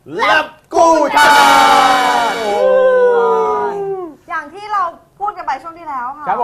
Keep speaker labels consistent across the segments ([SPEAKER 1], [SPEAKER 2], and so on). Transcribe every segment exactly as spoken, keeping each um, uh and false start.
[SPEAKER 1] ลับกู้ชาติ
[SPEAKER 2] อย่างที่เราพูดกันไปช่วงที่แล้วค่ะ
[SPEAKER 1] ครับผม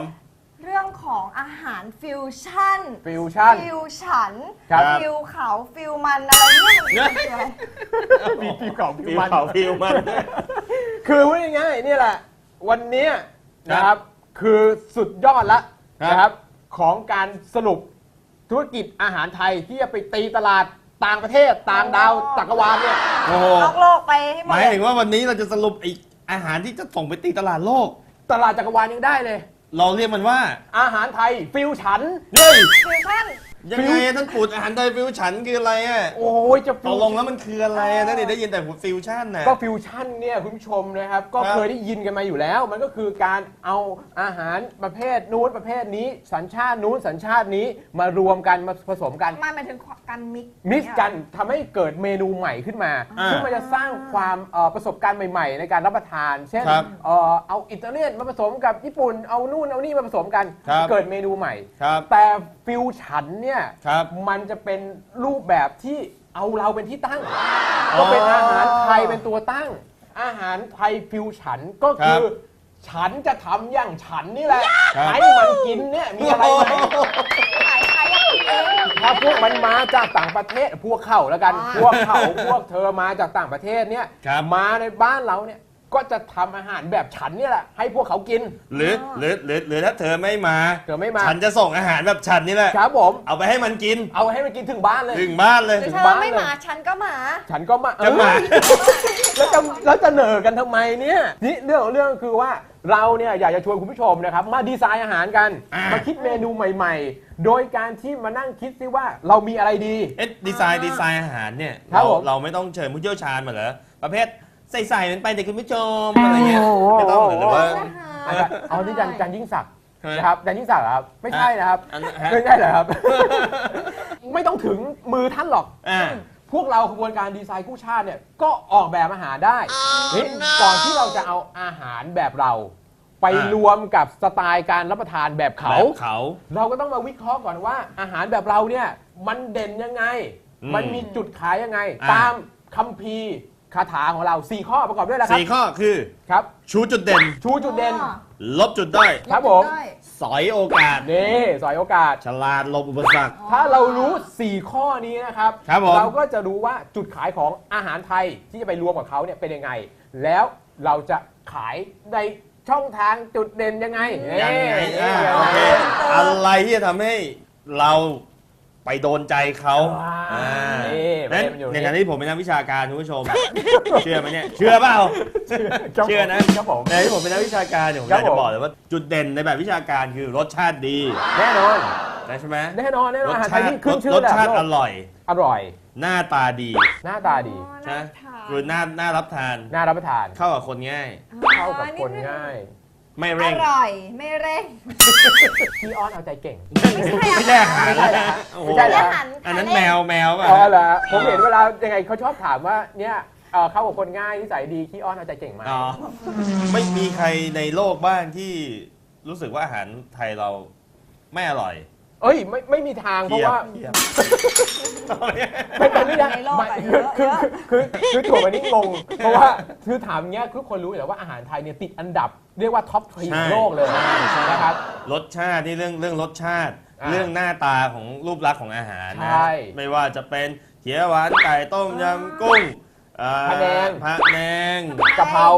[SPEAKER 2] เรื่องของอาหารฟิวชั่น
[SPEAKER 1] ฟิวชั่น
[SPEAKER 2] ฟิวฉัน
[SPEAKER 1] ครับ
[SPEAKER 2] ฟิวเขาฟิวมันอะไรเนี่ยมันคืออะไร
[SPEAKER 1] มีฟิวเก่าฟิ
[SPEAKER 3] ฟิ
[SPEAKER 1] ว
[SPEAKER 3] ว
[SPEAKER 1] มัน
[SPEAKER 3] เขาฟิวมัน
[SPEAKER 1] คือพูดง่ายๆนี่แหละ วันนี้นะครับคือสุดยอดละ
[SPEAKER 3] ครับ
[SPEAKER 1] นะครับของการสรุปธุรกิจอาหารไทยที่จะไปตีตลาดต่างประเทศต่างดาวจักรวาลเนี่ย
[SPEAKER 3] โอ้โห
[SPEAKER 2] นอกโลกไปให้หม
[SPEAKER 3] ห
[SPEAKER 2] ด
[SPEAKER 3] มาย
[SPEAKER 2] เลย
[SPEAKER 3] ถึงว่าวันนี้เราจะสรุปไออาหารที่จะส่งไปตีตลาดโลก
[SPEAKER 1] ตลาดจักรวาลยังได้เลย
[SPEAKER 3] เราเรียกมันว่า
[SPEAKER 1] อาหารไทยฟิวฉัน
[SPEAKER 3] เฮ้ย
[SPEAKER 2] ฟิวชั่น
[SPEAKER 3] ยังไงอะท่านปูดอาหารไทยฟิวชั่นคืออะไรอ่ะ
[SPEAKER 1] โอ้ยจะ
[SPEAKER 3] ต
[SPEAKER 1] ฟิ
[SPEAKER 3] ก
[SPEAKER 1] ว
[SPEAKER 3] ลงแล้วมันคืออะไรอะนั่นเองได้ยินแต่ฟิวชั่นนะ
[SPEAKER 1] ก็ฟิวชั่นเนี่ยคุณผู้ชมนะครับก็
[SPEAKER 3] ครับ
[SPEAKER 1] เคยได้ยินกันมาอยู่แล้ว มันก็คือการเอาอาหารประเภทนู้นประเภทนี้ สัญชาตินู้นสัญชาตินี้มารวมกันมาผสมกัน
[SPEAKER 2] มันหมายถึงการมิกซ์
[SPEAKER 1] มิกซ์กันทำให้เกิดเมนูใหม่ขึ้นมา
[SPEAKER 3] อ่า
[SPEAKER 1] ซึ่งมันจะสร้างความเอ่อประสบการณ์ใหม่ๆ ในการรับประทาน เช่น
[SPEAKER 3] ครับ
[SPEAKER 1] เอ่อเอาอิตาเลียนมาผสมกับญี่ปุ่นเอานู่นเอานี่มาผสมกัน
[SPEAKER 3] ครับ
[SPEAKER 1] เกิดเมนูใหม่
[SPEAKER 3] ครับ
[SPEAKER 1] แต่ฟิวฉันเนี่ย
[SPEAKER 3] ครับ
[SPEAKER 1] มันจะเป็นรูปแบบที่เอาเราเป็นที่ตั้ง ก็เป็นอาหารไทยเป็นตัวตั้ง อาหารไทยฟิวฉันก็คือ ฉันจะทำอย่างฉันนี่แหละ
[SPEAKER 3] ครับ
[SPEAKER 1] ให้มันกินเนี่ยมีอะไรไหม
[SPEAKER 2] ขายใครอยากกินเอง
[SPEAKER 1] ถ้าพวกมันมาจากต่างประเทศพวกเขาแล้วกัน
[SPEAKER 2] อ่า
[SPEAKER 1] พวกเขาพวกเธอมาจากต่างประเทศเนี่ย
[SPEAKER 3] ครับ
[SPEAKER 1] มาในบ้านเราเนี่ยก็จะทำอาหารแบบฉันเนี่ยแหละให้พวกเขากิน
[SPEAKER 3] หรือหรือหรือหรือถ้าเธอไม่มา
[SPEAKER 1] เธอไม่มา
[SPEAKER 3] ฉันจะส่งอาหารแบบฉันนี่แหละ
[SPEAKER 1] ครับผม
[SPEAKER 3] เอาไปให้มันกิน
[SPEAKER 1] เอาให้มันกินถึงบ้านเลย
[SPEAKER 3] ถึงบ้านเลย
[SPEAKER 2] หรือ
[SPEAKER 1] ถึง
[SPEAKER 2] เธอ
[SPEAKER 1] บ้าน
[SPEAKER 2] ไม่
[SPEAKER 1] เลย
[SPEAKER 2] หมาฉันก็หมา
[SPEAKER 1] ฉันก็มา
[SPEAKER 3] จะมา
[SPEAKER 1] เออแล้วจะแล้วจะเหน่อกันทำไมเนี่ยนี่เรื่องของเรื่องคือว่าเราเนี่ยอยากจะชวนคุณผู้ชมนะครับมาดีไซน์อาหารกัน
[SPEAKER 3] อ่าม
[SPEAKER 1] มาคิดเมนูใหม่ ๆ โดยการที่มานั่งคิดซิว่าเรามีอะไรดี
[SPEAKER 3] เอ๊ะดีไซน์ดีไซน์อาหารเนี่ย
[SPEAKER 1] ครับ
[SPEAKER 3] เรา
[SPEAKER 1] ผม
[SPEAKER 3] เราไม่ต้องเชิญผู้เชี่ยวชาญมาเหรอประเภทใส่ๆมันไปเด็กคุณผู้ชมอะไรเงี้ยไม่ต้องเหรอหรือว่า
[SPEAKER 1] อาจารย์เอาที่อาจารย์อาจารย์ยิ่งศักดิ์
[SPEAKER 3] ฮะ
[SPEAKER 1] นะครับอาจารย์ยิ่งศักดิ์เหรอครับไม่ใช่นะครับ
[SPEAKER 3] อันนั้นฮะ
[SPEAKER 1] ไม่ใช่เหรอครับ ไม่ต้องถึงมือท่านหรอก
[SPEAKER 3] อ่า
[SPEAKER 1] พวกเราขบวนการดีไซน์กู้ชาติเนี่ยก็ออกแบบอาหารได้นี่ก่อนที่เราจะเอาอาหารแบบเรา ไป
[SPEAKER 3] อ่าร
[SPEAKER 1] วมกับสไตล์การรับประทานแบบเขา
[SPEAKER 3] แบบเขา
[SPEAKER 1] เราก็ต้องมาวิเคราะห์ก่อนว่าอาหารแบบเราเนี่ยมันเด่นยังไง
[SPEAKER 3] อืม
[SPEAKER 1] มันมีจุดขายยังไง
[SPEAKER 3] อ่า
[SPEAKER 1] ตามคัมภีร์คาถาของเราสี่ข้อประกอบด้วยนะครับ
[SPEAKER 3] สี่ข้อคือ
[SPEAKER 1] ครับ
[SPEAKER 3] ชูจุดเด่น
[SPEAKER 1] ชูจุดเด่น
[SPEAKER 3] ลบจุดด้อย
[SPEAKER 1] ครับผม
[SPEAKER 2] ได้
[SPEAKER 3] สอยโอกาส
[SPEAKER 1] นี่สอยโอกาส
[SPEAKER 3] ฉลาดหลบอุปสรรค
[SPEAKER 1] ถ้าเรารู้ สี่ ข้อนี้นะครับ
[SPEAKER 3] ครับผม
[SPEAKER 1] เราก็จะรู้ว่าจุดขายของอาหารไทยที่จะไปรวมกับเขาเนี่ยเป็นยังไง แล้วเราจะขายในช่องทางจุดเด่นยังไง
[SPEAKER 3] ยังไง
[SPEAKER 1] เอ๊ะ
[SPEAKER 3] อ่าโอเคอะไรที่จะทำให้เราไปโดนใจเขา
[SPEAKER 1] อ่า
[SPEAKER 3] อ่า
[SPEAKER 1] นี่
[SPEAKER 3] นั้น
[SPEAKER 1] มันอยู่
[SPEAKER 3] ใน
[SPEAKER 1] นี่
[SPEAKER 3] ขณะที่ผมเป็นนักวิชาการคุณผู้ชม เชื่อไหมเนี่ยเชื่อเปล่า เชื่อนะ
[SPEAKER 1] ครับผม
[SPEAKER 3] ในที่ผมเป็นนักวิชาการเนี่ยผมอ
[SPEAKER 1] ครับ
[SPEAKER 3] ยากจะ
[SPEAKER 1] ผม
[SPEAKER 3] บอกเลยว่าจุดเด่นในแบบวิชาการคือรสชาติดี
[SPEAKER 1] แน่นอน
[SPEAKER 3] นะใช่ไหม
[SPEAKER 1] แน่นอนแน่นอน
[SPEAKER 3] รส
[SPEAKER 1] อาหารไท
[SPEAKER 3] ชาย ติ
[SPEAKER 1] ที่ขึ้นชื่
[SPEAKER 3] ร
[SPEAKER 1] อ
[SPEAKER 3] ส
[SPEAKER 1] ระดับ
[SPEAKER 3] ชาติ
[SPEAKER 1] โล
[SPEAKER 3] อก ร่อย
[SPEAKER 1] อร่อย
[SPEAKER 3] หน้าตาดี
[SPEAKER 1] หน้าตาดี
[SPEAKER 3] ใช่ไหม
[SPEAKER 2] ทาน
[SPEAKER 3] คือหน้าหน้ารับทาน
[SPEAKER 1] น่ารับประทาน
[SPEAKER 3] เข้ากับคนง่าย
[SPEAKER 1] เข้ากับคนง่าย
[SPEAKER 3] ไม่
[SPEAKER 2] อ
[SPEAKER 3] เร่ง
[SPEAKER 2] ร่อยไม่เร่ง
[SPEAKER 1] พี่อ้อนเอาใจเก่ง
[SPEAKER 3] ไม่ใช่อาหาร
[SPEAKER 1] ไม่ใช่เหรอ
[SPEAKER 3] โอ้โห
[SPEAKER 1] ไม่ใช่เหรอ
[SPEAKER 3] อันนั้นแมวแมวป่ะ
[SPEAKER 1] อ๋อเหรอผมเห็นเวลายังไงเขาชอบถามว่าเนี่ยเอ่อเข้ากับคนง่ายนิสัยดีขี้อ้อนเอาใจเก่งไหม
[SPEAKER 3] อ๋อไม่มีใครในโลกบ้างที่รู้สึกว่าอาหารไทยเราไม่อร่อย
[SPEAKER 1] เอ้ยไม่ไม่มีทางเพราะว่า
[SPEAKER 3] เทียบ
[SPEAKER 1] ไม่เป็นไม่ได้
[SPEAKER 2] ในโลก
[SPEAKER 1] ไม่
[SPEAKER 2] อะ
[SPEAKER 1] คือ
[SPEAKER 2] เยอะ
[SPEAKER 1] คือ
[SPEAKER 2] เยอะ
[SPEAKER 1] คือคือถั่วมันนี่งง เพราะว่าคือถามเงี้ยทุกคนรู้อยู่แล้วว่าอาหารไทยเนี่ยติดอันดับ เรียกว่าท็อปทรีของโลกเลย
[SPEAKER 3] ใช่ใช่
[SPEAKER 1] นะครับ
[SPEAKER 3] รสชาตินี่เรื่องเรื่องรสชาติ
[SPEAKER 1] อ่า
[SPEAKER 3] เรื่องหน้าตาของรูปลักษณ์ของอาหารนะ
[SPEAKER 1] ใช่
[SPEAKER 3] ไม่ว่าจะเป็นเขียวหวานไก่ต้มยำกุ้งเอ่อ
[SPEAKER 1] พะแนง
[SPEAKER 3] พะแนง
[SPEAKER 1] กะเพราก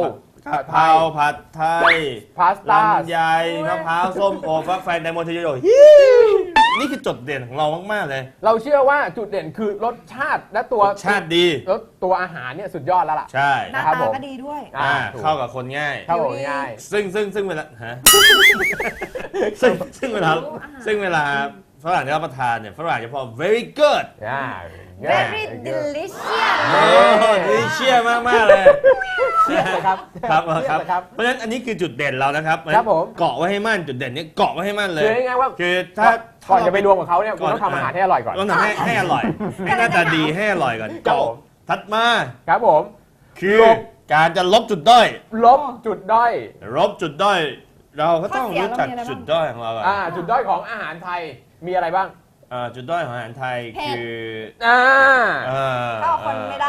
[SPEAKER 3] ะเพราผัดไทย
[SPEAKER 1] พาสต้า
[SPEAKER 3] ลำไยมะพร้าวส้มโอฟักแฟนไดโมเทโยนี่คือจุดเด่นของเรามากๆเลย
[SPEAKER 1] เราเชื่อว่าจุดเด่นคือรสชาติและตัว
[SPEAKER 3] รสชาติดี
[SPEAKER 1] แล้วตัวอาหารเนี่ยสุดยอดแล้วล่ะ
[SPEAKER 3] ใช่
[SPEAKER 2] หน้า
[SPEAKER 1] ครับ
[SPEAKER 2] ตา
[SPEAKER 1] ผม
[SPEAKER 2] ก็ดีด้วย
[SPEAKER 1] อ่า
[SPEAKER 3] อ่า
[SPEAKER 1] ถูก
[SPEAKER 3] เข้ากับคนง่าย
[SPEAKER 1] เข้ากับง่าย
[SPEAKER 3] ซึ่งซึ่งซึ่งเวลาฮะ ซึ่งซึ่งเวลา
[SPEAKER 2] รู้อาหาร
[SPEAKER 3] ซึ่งเวลาฝรั่งจะรับประทานเนี่ยฝรั่งจะพอ very good
[SPEAKER 1] อ่า
[SPEAKER 2] very delicious
[SPEAKER 3] โอ้ดีเชี่ยมากมากๆเลย
[SPEAKER 1] เชี่ยเลยครับ
[SPEAKER 3] ครับ
[SPEAKER 1] เชี่ย
[SPEAKER 3] ครับ
[SPEAKER 1] เลยครับ
[SPEAKER 3] เพราะฉะนั้นอันนี้คือจุดเด่นเรานะครับ
[SPEAKER 1] ครับผม
[SPEAKER 3] เกาะไว้ให้มั่นจุดเด่นนี้เกาะไว้ให้มั่นเลย
[SPEAKER 1] คือง่ายๆว่า
[SPEAKER 3] คือถ้า
[SPEAKER 1] ก่อนจะไปรวมกับเขาเนี่ยคุณต้องทำอาหารให้อร่อยก่อน
[SPEAKER 3] ต้องทำให้ให้อร่อย ให้หน้าตาดีให้อร่อยก่อน
[SPEAKER 1] ครับ
[SPEAKER 3] เกาะ
[SPEAKER 1] ผม
[SPEAKER 3] ถัดมา
[SPEAKER 1] ครับผม
[SPEAKER 3] คือ
[SPEAKER 1] ลบ
[SPEAKER 3] การจะลบจุดด้อย
[SPEAKER 1] ลบจุดด้อย
[SPEAKER 3] ลบจุดด้อย เราก็ต้อง
[SPEAKER 2] ข้อเสีย
[SPEAKER 3] รู้จัก
[SPEAKER 2] เรามีอะไรบ้าง
[SPEAKER 3] จุดด้อยของเราอะ
[SPEAKER 1] อ่าจุดด้อยของอาหารไทยมีอะไรบ้าง
[SPEAKER 3] อ่าจุดด้อยของอาหารไทย
[SPEAKER 2] เผ็ด
[SPEAKER 3] คือ
[SPEAKER 1] อ่า
[SPEAKER 3] เอ่อ
[SPEAKER 2] เข้ากับคนไม่ได้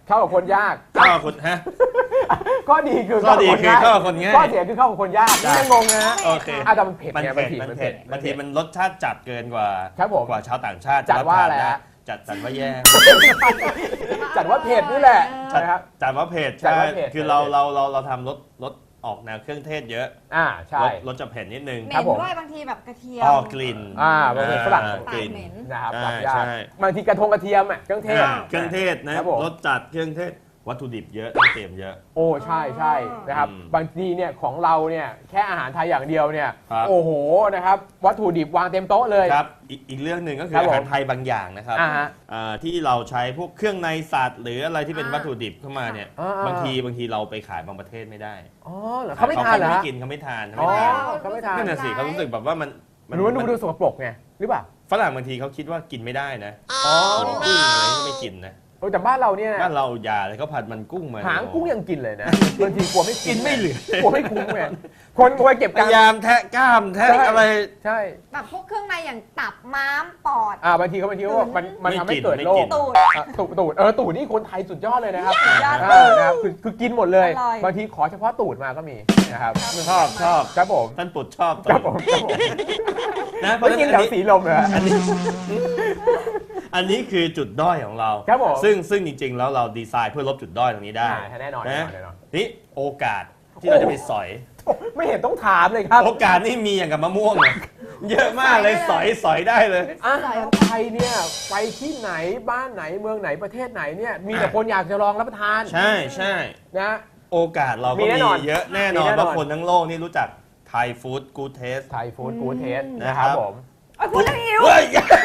[SPEAKER 1] เข้ากับคนยาก
[SPEAKER 3] เข้ากับคนฮะ
[SPEAKER 1] ข้อดีคือ
[SPEAKER 3] ข้อดีคือ
[SPEAKER 1] เข้า
[SPEAKER 3] เข้ากั
[SPEAKER 1] กับบ ค
[SPEAKER 3] คน น
[SPEAKER 1] ง่า
[SPEAKER 3] ง่าย ย
[SPEAKER 1] ข้อเสียคือเข้ากับคนยาก
[SPEAKER 3] ได้
[SPEAKER 1] นี่ยังงงนะ
[SPEAKER 3] โอเค
[SPEAKER 1] อ่ะแต่มันเผ็ด
[SPEAKER 3] มัน
[SPEAKER 1] ไง
[SPEAKER 3] เผ็ด
[SPEAKER 1] บางที
[SPEAKER 3] มันเผ็ดบางทีมันรสชาติจัดเกินกว่า
[SPEAKER 1] ครับผม
[SPEAKER 3] กว่าชาวต่างชาติ
[SPEAKER 1] จัดว่าอะไร
[SPEAKER 3] บทน
[SPEAKER 1] ฮะ
[SPEAKER 3] จัดจัดว่าแย่
[SPEAKER 1] จัดว่าเผ็ดนี่แหละ
[SPEAKER 3] จัด
[SPEAKER 1] นะครับ
[SPEAKER 3] จัดว่าเผ็ด
[SPEAKER 1] จัด
[SPEAKER 3] ใช่
[SPEAKER 1] ว่าเผ็ด
[SPEAKER 3] คือเราเราเราเราทำรสรสออกแนวเครื่องเทศเยอะ
[SPEAKER 1] อ่าใช่
[SPEAKER 3] รสรสจะเผ็ดนิดนึง
[SPEAKER 2] เห
[SPEAKER 1] ครั
[SPEAKER 2] ม็
[SPEAKER 1] บ
[SPEAKER 2] น
[SPEAKER 1] ผม
[SPEAKER 2] ด้วยบางทีแบบกระเทียม
[SPEAKER 3] ออกกลิ่น
[SPEAKER 1] อ่าบางทีฝรั่ง
[SPEAKER 3] อ่ากลิ่น
[SPEAKER 2] ปากเหม็น
[SPEAKER 1] นะครับ
[SPEAKER 3] ใช่
[SPEAKER 1] ปรับยาก
[SPEAKER 3] ใช่
[SPEAKER 1] บางทีกระทงกระเทียมอ่ะเครื่องเทศ
[SPEAKER 3] อ่าเครื่องเทศนะครับ
[SPEAKER 1] ผม
[SPEAKER 3] รสจัดเครื่องเทศวัตถุดิบเยอะต้องเตรียมเยอะ
[SPEAKER 1] โอ้ใช่ใช่นะครับ
[SPEAKER 3] อืม
[SPEAKER 1] บางทีเนี่ยของเราเนี่ยแค่อาหารไทยอย่างเดียวเนี่ย
[SPEAKER 3] ครับ
[SPEAKER 1] โอ้โหนะครับวัตถุดิบวางเต็มโต๊ะเลย
[SPEAKER 3] ครับอีกอีกเรื่องหนึ่งก็คือ
[SPEAKER 1] ครับผม
[SPEAKER 3] อาหารไทยบางอย่างนะครับ
[SPEAKER 1] อ่าฮะ
[SPEAKER 3] อ่าที่เราใช้พวกเครื่องในสัตว์ หรืออะไรที่เป็น
[SPEAKER 2] อ่า
[SPEAKER 3] วัตถุดิบเข้ามาเนี่ย
[SPEAKER 1] อ่าอ่า
[SPEAKER 3] บางทีบางทีเราไปขายบางประเทศไม่ได้
[SPEAKER 1] อ๋อเหรอเขาไม่ทานเหรอ
[SPEAKER 3] ไม่
[SPEAKER 1] ฮะ
[SPEAKER 3] กินเขาไม่ทานเขา
[SPEAKER 1] อ๋อ
[SPEAKER 3] ไม่ทาน
[SPEAKER 1] เขาไม่ทาน
[SPEAKER 3] นั่นน่ะสิเขารู้สึกแบบว่ามัน
[SPEAKER 1] หรือว่าดูดูสกปรกไงหรือเปล่า
[SPEAKER 3] ฝรั่งบางทีเขาคิดว่ากินไม่ได้นะ
[SPEAKER 1] อ๋อ
[SPEAKER 3] กุ้งอะไรก็ไม่กินนะ
[SPEAKER 1] โอ้แต่บ้านเราเนี่ย
[SPEAKER 3] บ้านเราอย่าเลยเขาผัดมันกุ้งมา
[SPEAKER 1] หางกุ้งยังกินเลยนะบางทีกลัวไม่คุ้
[SPEAKER 3] กินไม่เหลือ
[SPEAKER 1] กลัวไม่คุ้มไงคนคอยเก็บ
[SPEAKER 3] พ
[SPEAKER 1] กัน
[SPEAKER 3] ยายามแทะกล้ามแทะ
[SPEAKER 1] ใช่
[SPEAKER 3] อะไร
[SPEAKER 1] ใช่
[SPEAKER 2] แบบพวกเครื่องในอย่างตับม้ามปอด
[SPEAKER 1] อ่าบางทีเขาบางทีเขาบอกมันมัน
[SPEAKER 3] ไม่
[SPEAKER 1] ทำให้
[SPEAKER 3] กิน
[SPEAKER 1] เกิด
[SPEAKER 3] ไม่
[SPEAKER 1] โร
[SPEAKER 3] กิ
[SPEAKER 1] คน
[SPEAKER 2] ตูด
[SPEAKER 1] อ่ะตูดตูดเออตูดนี่คนไทยสุดยอดเลยนะครับ
[SPEAKER 2] สุดยอด
[SPEAKER 1] อ่านะครับคือคือกินหมดเลย
[SPEAKER 2] อร่อย
[SPEAKER 1] บางทีขอเฉพาะตูดมาก็มีนะครับ
[SPEAKER 3] ชอบชอบ
[SPEAKER 1] ครับผม
[SPEAKER 3] ท่านปุดชอบ
[SPEAKER 1] ครับผมครับผม
[SPEAKER 3] นะเพราะ
[SPEAKER 1] ไม่
[SPEAKER 3] ฉะ
[SPEAKER 1] กิน
[SPEAKER 3] นั้น
[SPEAKER 1] แถวสีลมเลยฮะ
[SPEAKER 3] อันนี้อันนี้คือจุดด้อยของเรา
[SPEAKER 1] ครับผม
[SPEAKER 3] ซึ่งซึ่งจริง ๆ แล้วเราดีไซน์เพื่อลบจุดด้อยตรงนี้ได้
[SPEAKER 1] อ่าแน่นอนแน่นอนแน่นอน
[SPEAKER 3] นี่โอกาสที่เราจะไปสอย
[SPEAKER 1] ไม่เห็นต้องถามเลยครับ
[SPEAKER 3] โอกาสนี่มีอย่างกับมะม่วงเนี่ยเยอะมากเลยสอยสอยได้เลย
[SPEAKER 1] อาหารไทยเนี่ยไปที่ไหนบ้านไหนเมืองไหนประเทศไหนเนี่ยมีแต่คนอยากจะลองรับประทาน
[SPEAKER 3] ใช่ใช่
[SPEAKER 1] นะ
[SPEAKER 3] โอกาสเราก็
[SPEAKER 1] มีแน่นอน
[SPEAKER 3] มีเยอะแน่นอ
[SPEAKER 1] มี
[SPEAKER 3] น
[SPEAKER 1] แน่นอน
[SPEAKER 3] ว่าคนทั้งโลกนี่รู้จักไทยฟู้ดกูเทส
[SPEAKER 1] ไทยฟู้ดกูเทส
[SPEAKER 3] นะ
[SPEAKER 1] นะ
[SPEAKER 3] ค
[SPEAKER 1] ค
[SPEAKER 3] รั
[SPEAKER 1] รับ บผม
[SPEAKER 2] เอ้ยพูดแล้วหิว
[SPEAKER 3] เฮ้ย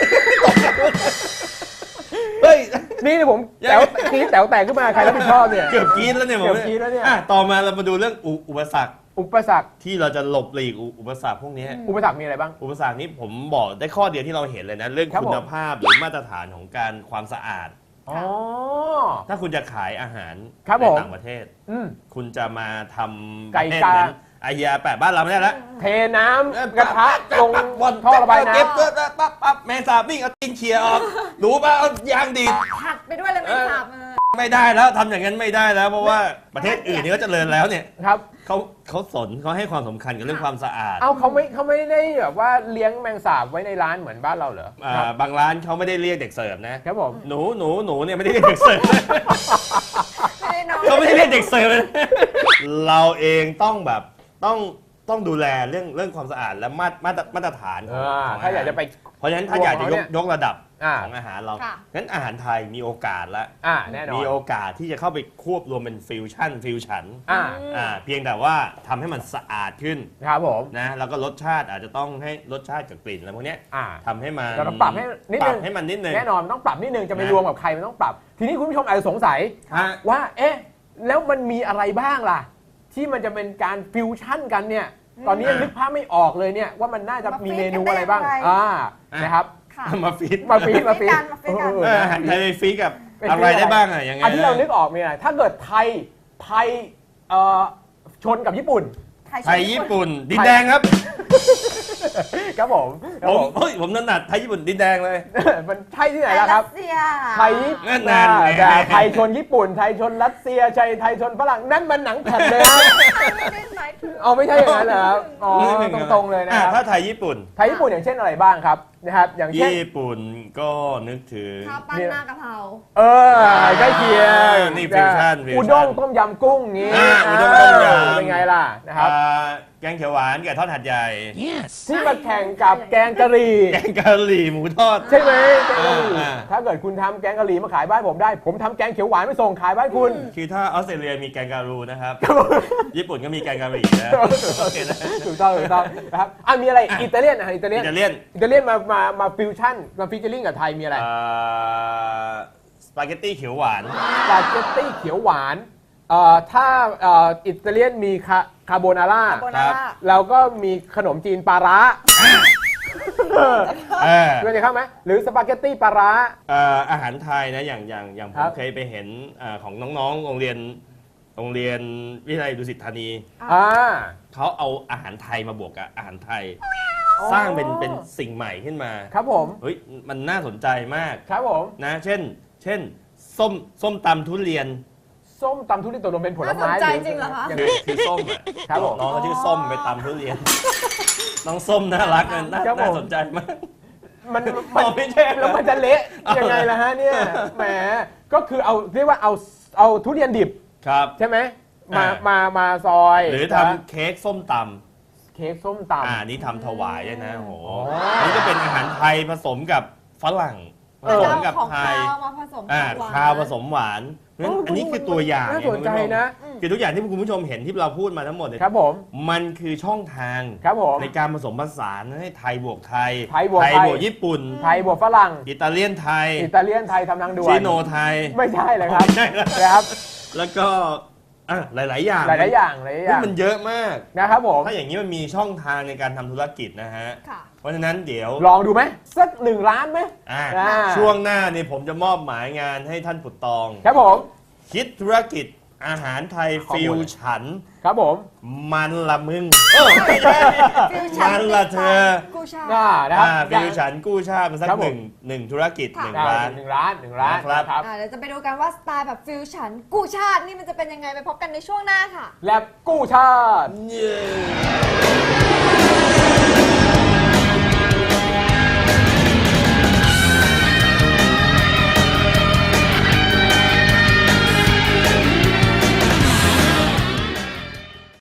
[SPEAKER 3] เฮ้ย
[SPEAKER 1] นี่ผมแต๋วกรีดแต๋วแตกขึ้นมาใครรับผิดชอบเนี่ย
[SPEAKER 3] เกือบกรีดแล้วเนี่ยผม
[SPEAKER 1] เกือบกรี๊ดแล้วเนี่ย
[SPEAKER 3] อ่ะต่อมาเรามาดูเรื่องอุอุปสรรค
[SPEAKER 1] อุปสรรค
[SPEAKER 3] ที่เราจะหลบหลีกอุอุปสรรคพวกนี้
[SPEAKER 1] อุปสรรคมีอะไรบ้าง
[SPEAKER 3] อุปสรรคนี้ผมบอกได้ข้อเดียวที่เราเห็นเลยนะ เรื่อง
[SPEAKER 1] ครับ
[SPEAKER 3] คุ
[SPEAKER 1] ผม
[SPEAKER 3] ณภาพหรือมาตรฐานของการความสะอาด
[SPEAKER 1] อ๋อ
[SPEAKER 3] ถ้าคุณจะขายอาหาร
[SPEAKER 1] ครับ
[SPEAKER 3] ใน
[SPEAKER 1] ผม
[SPEAKER 3] ต่างประเทศ
[SPEAKER 1] อืม
[SPEAKER 3] คุณจะมาทำ
[SPEAKER 1] ไก่
[SPEAKER 3] ประเภท
[SPEAKER 1] กา
[SPEAKER 3] นั้นไอเฮียแปะบ้านเราไม่ได้แล้ว
[SPEAKER 1] เทน้ำกระทะลง
[SPEAKER 3] บน
[SPEAKER 1] ท่อระบายน้
[SPEAKER 3] เก็บปั๊บปั๊บปั๊บแมงสาบวิ่งเอาตีนเขี่ยออกรู้ป่ะเอายางดีด
[SPEAKER 2] ผัดไปด้วยเลยไม่สับเออ
[SPEAKER 3] ไม่ได้แล้วทำอย่างนั้นไม่ได้แล้ว เพราะว่าประเทศอื่นนี่ก็เจริญแล้วเนี่ย
[SPEAKER 1] ำครับ
[SPEAKER 3] เขาเขาสนเขาให้ความสำคัญกับเรื่องความสะอาด
[SPEAKER 1] เอาเขาไม่เขาไม่ได้แบบว่าเลี้ยงแมงสาบไว้ในร้านเหมือนบ้านเราเหรอ
[SPEAKER 3] อ่า
[SPEAKER 1] ครับ
[SPEAKER 3] บางร้านเขาไม่ได้เรียกเด็กเสิร์ฟนะครับ
[SPEAKER 1] ผม
[SPEAKER 3] หนูหนูหนูเนี่ยไม่ได้เรียกเด็กเสิร์ฟ
[SPEAKER 2] ไม่ได้นอน
[SPEAKER 3] เขาไม่ได้เรียกเด็กเสิร์ฟเลยเราเองต้องแบบต้องต้องดูแลเรื่องเรื่องความสะอาดและมาตรมาตรมาตรฐานข
[SPEAKER 1] เอ
[SPEAKER 3] อง
[SPEAKER 1] อ
[SPEAKER 3] ของ
[SPEAKER 1] ถ้าอยากจะไป
[SPEAKER 3] เพราะฉะนั้นถ้าอยากจะยกยกระดับ
[SPEAKER 1] อ่า
[SPEAKER 3] ของอาหารเรา
[SPEAKER 2] ค่ะ
[SPEAKER 3] งั้นอาหารไทยมีโอกาสแล้ว
[SPEAKER 1] อ่าแน่นอน
[SPEAKER 3] มีโอกาสที่จะเข้าไปควบรวมเป็นฟิวชั่นฟิวชั่น
[SPEAKER 1] อ่า
[SPEAKER 3] อ่าเพียงแต่ว่าทำให้มันสะอาดขึ้น
[SPEAKER 1] ครับผม
[SPEAKER 3] นะแล้วก็รสชาติอาจจะต้องให้รสชาติกับกลิ่นอะไรพวกเนี้ย
[SPEAKER 1] อ่า
[SPEAKER 3] ทำให้มัน
[SPEAKER 1] เราต้องปรับให้นิด
[SPEAKER 3] ป
[SPEAKER 1] นึ
[SPEAKER 3] รับ
[SPEAKER 1] ง
[SPEAKER 3] ให้มันนิดนึง
[SPEAKER 1] แน่นอนมันต้องปรับนิดนึงจะไป
[SPEAKER 3] นะ
[SPEAKER 1] รวมกับใครมันต้องปรับ ทีนี้คุณผู้ชมอาจจะสงสัย
[SPEAKER 3] ฮะ
[SPEAKER 1] ว่า เอ๊ะ แล้วมันมีอะไรบ้างล่ะ ที่มันจะเป็นการฟิวชั่นกันเนี่ย ตอนนี้ยังนึกภาพไม่ออกเลยเนี่ยว่ามันน่าจะมีเมนูอะไรบ้าง อ่า นะครับ
[SPEAKER 2] ค่ะ
[SPEAKER 3] มาฟีด
[SPEAKER 1] มาฟีดมาฟีด
[SPEAKER 2] มาฟีดกัน
[SPEAKER 1] เอ
[SPEAKER 3] เอ
[SPEAKER 1] อ
[SPEAKER 3] ออาหารไทยไปฟีดกับ
[SPEAKER 1] เป็น
[SPEAKER 3] อะไร
[SPEAKER 1] ฟีด
[SPEAKER 3] ได้บ้างอะยังไง
[SPEAKER 1] อันที่เรานึกออกมีอะไร ถ้าเกิดไทย ไทยเอ่อชนกับญี่ปุ่น
[SPEAKER 3] ไทยญี่ปุ่นดินแดงครับ
[SPEAKER 1] ครับผมครั
[SPEAKER 3] ผ
[SPEAKER 1] บ
[SPEAKER 3] ม
[SPEAKER 1] ผม
[SPEAKER 3] เฮ้ยผมถนัดไทยญี่ปุ่นดินแดงเลย
[SPEAKER 1] มันใช่ที่ไหนล่ะครับ
[SPEAKER 2] รัสเซีย
[SPEAKER 1] ไทยญี่
[SPEAKER 3] นั่
[SPEAKER 1] ปุ่น
[SPEAKER 3] นนั่นแหละ
[SPEAKER 1] แต่ไทยชนญี่ปุ่น ไทยชนรัสเซียไทยไทยชนฝรั่งนั่นมันหนังแผ่นเลยนะ
[SPEAKER 2] ไม่ได้หมายถึง
[SPEAKER 1] เอาไม่ใช่อย่างนั้นเหรอครับอ๋อตรงๆเลยนะ
[SPEAKER 3] อ่ะ
[SPEAKER 1] ครับ
[SPEAKER 3] ถ้าไทยญี่ปุ่น
[SPEAKER 1] ไทยญี่ปุ่นอย่างเช่นอะไรบ้างครับนะครับ อย่างเช่น
[SPEAKER 3] ญี่ปุ่นก็นึกถึง
[SPEAKER 2] ข้าวปั้นหน้ากะเพรา
[SPEAKER 1] เออใกล้เคียง
[SPEAKER 3] นี่ฟิวชั่นฟิวชั่น
[SPEAKER 1] อุด้งต้มยำกุ้งงี้
[SPEAKER 3] อ่าอุด้งต้มยำ
[SPEAKER 1] เป็นไงล่ะนะครับ
[SPEAKER 3] อ่าแกงเขียวหวานกับทอดหัดใหญ่
[SPEAKER 1] ที่มาแข่งกับแกงกะหรี่
[SPEAKER 3] แกงกะหรี่หมูทอด
[SPEAKER 1] ใช่ไหมแกงกะหรี่
[SPEAKER 3] อ่า
[SPEAKER 1] ถ้าเกิดคุณทำแกงกะหรี่มาขายบ้านผมได้ ผมทำแกงเขียวหวานไปส่งขายบ้านคุณ
[SPEAKER 3] คือถ้าออสเตรเลียมีแกงการูนะครับ ญี่ปุ่นก็มีแกงกะหรี่นะโอเคนะ
[SPEAKER 1] ถูกต้องถูกต้องนะครับอ่ะมีอะไรอิตาเลียนอ่ะอิตาเลียน
[SPEAKER 3] อิตาเลียน
[SPEAKER 1] อิตาเลียนมามามาฟิวชั่นมาฟิชเจอริ่งกับไทยมีอะไร
[SPEAKER 3] อ่าสปาเกตตี้เขียวหวาน
[SPEAKER 1] สปาเกตตี้เขียวหวานเอ่อถ้าเอ่ออิตาเลียนมีคาคาโบนาร่า
[SPEAKER 2] โบนาร่า
[SPEAKER 1] เราก็มีขนมจีนปลาร้า
[SPEAKER 3] เออ
[SPEAKER 1] เพื่อนจะเข้าไหมหรือสปาเกตตี้ปลาร้า
[SPEAKER 3] เอ่ออาหารไทยนะอย่างอย่างอย่างผ
[SPEAKER 1] ครั
[SPEAKER 3] ม
[SPEAKER 1] บ
[SPEAKER 3] เคยไปเห็นอ่าของน้องๆ โรงเรียนโรงเรียนวิทยาลัยดุสิตธานี
[SPEAKER 1] อ่า
[SPEAKER 3] เขาเอาอาหารไทยมาบวกกับอาหารไทย สร้างเป็นเป็นสิ่งใหม่ขึ้นมา
[SPEAKER 1] ครับผม
[SPEAKER 3] เฮ้ยมันน่าสนใจมาก
[SPEAKER 1] ครับผม
[SPEAKER 3] นะเช่น เช่นส้มส้มตำทุเรียน
[SPEAKER 1] ส้มตำทุเรียนตกลงเป็นผลไม้
[SPEAKER 2] น่าสนใจจริงเหรอคะ
[SPEAKER 1] ยัง
[SPEAKER 3] คื
[SPEAKER 1] ไง
[SPEAKER 3] อคือส้มอ่ะ
[SPEAKER 1] ครับผม
[SPEAKER 3] น้องเขาชื่อส้มไปตำทุเรียน น้องส้มน่ารักนะน่า
[SPEAKER 1] ครับผม
[SPEAKER 3] น่าสนใจมาก
[SPEAKER 1] มันมัน
[SPEAKER 3] ไม่ใช่
[SPEAKER 1] แล้วมันจะเละยังไงล่ะฮะเนี่ยแหมก็คือเอาเรียกว่าเอาเอาทุเรียนดิบ
[SPEAKER 3] ครับ
[SPEAKER 1] ใช่ไหมมา
[SPEAKER 3] อ่าม
[SPEAKER 1] มามาซอย
[SPEAKER 3] หรือ
[SPEAKER 1] นะ
[SPEAKER 3] ทำเค้กส้มตำ
[SPEAKER 1] เค้กส้มตำ
[SPEAKER 3] อ่านี่ทำถวายด้วยนะโอ้โห
[SPEAKER 1] อ๋อ
[SPEAKER 3] อันนี่ก็เป็นอาหารไทยผสมกับฝรั่งผ
[SPEAKER 2] แล้ว
[SPEAKER 3] ส
[SPEAKER 2] จะ
[SPEAKER 3] ม
[SPEAKER 2] เอา
[SPEAKER 3] กับ
[SPEAKER 2] ของ
[SPEAKER 3] ไทย
[SPEAKER 2] คาวมาผสม
[SPEAKER 3] อ่า
[SPEAKER 2] กับหวาน
[SPEAKER 3] ข้าวผสมหวานเพราะฉะนั้นอันนี้คือตัวอย่าง
[SPEAKER 1] น่า
[SPEAKER 3] ไง
[SPEAKER 1] สนใจนะ
[SPEAKER 3] คือทุกอย่างที่คุณผู้ชมเห็นที่เราพูดมาทั้งหมดเนี่ย
[SPEAKER 1] ครับผม
[SPEAKER 3] มันคือช่องทาง
[SPEAKER 1] ครับผม
[SPEAKER 3] ในการผสมผสานให้ไทยบวกไทย
[SPEAKER 1] ไทยบวกไทย
[SPEAKER 3] บวกญี่ปุ่น
[SPEAKER 1] ไทยบวกฝรั่ง
[SPEAKER 3] อิตาเลียนไทย
[SPEAKER 1] อิตาเลียนไทยทำทางด่วน
[SPEAKER 3] ชิโนไทย
[SPEAKER 1] ไม่ใช่เลยครับ
[SPEAKER 3] ไม่ใช่เหรอ
[SPEAKER 1] นะครับ
[SPEAKER 3] แล้วก็อ่ะหลาย ๆ อย่าง
[SPEAKER 1] หลายๆอย่างหลายๆอ
[SPEAKER 3] นี่
[SPEAKER 1] ย่าง
[SPEAKER 3] มันเยอะมาก
[SPEAKER 1] นะครับผม
[SPEAKER 3] ถ้าอย่างนี้มันมีช่องทางในการทำธุรกิจนะฮะ
[SPEAKER 2] ค่ะ
[SPEAKER 3] เพราะฉะนั้นเดี๋ยว
[SPEAKER 1] ลองดูไหมสักหนึ่งล้านไหม
[SPEAKER 3] อ่ะ
[SPEAKER 1] อ่า
[SPEAKER 3] ช่วงหน้านี่ผมจะมอบหมายงานให้ท่านปุตตอง
[SPEAKER 1] ครับผม
[SPEAKER 3] คิดธุรกิจอาหารไทย
[SPEAKER 1] ข้อมูล
[SPEAKER 3] ฟิวฉัน
[SPEAKER 1] ครับผม
[SPEAKER 3] มันละมึงเออไม่ใช่
[SPEAKER 2] ฟิวชั่
[SPEAKER 3] มันละเธอ
[SPEAKER 2] กูชา
[SPEAKER 1] น่านะครับ
[SPEAKER 3] อ่าฟิวฉันกู้ชาติมาสัก
[SPEAKER 1] ครับ
[SPEAKER 3] ห
[SPEAKER 1] ผม
[SPEAKER 3] นึ่งหนึ่งธุรกิจหนึ่ง
[SPEAKER 1] ได้
[SPEAKER 3] ล้าน
[SPEAKER 1] หนึ่งล้านหนึ่งล้าน
[SPEAKER 3] นะครับ
[SPEAKER 1] ครับ
[SPEAKER 2] อ่าเดี๋ยวจะไปดูกันว่าสไตล์แบบฟิวชั่นกูชาตินี่มันจะเป็นยังไงไปพบกันในช่วงหน้าค่ะ
[SPEAKER 1] แลบกู้ชาติ
[SPEAKER 3] เย้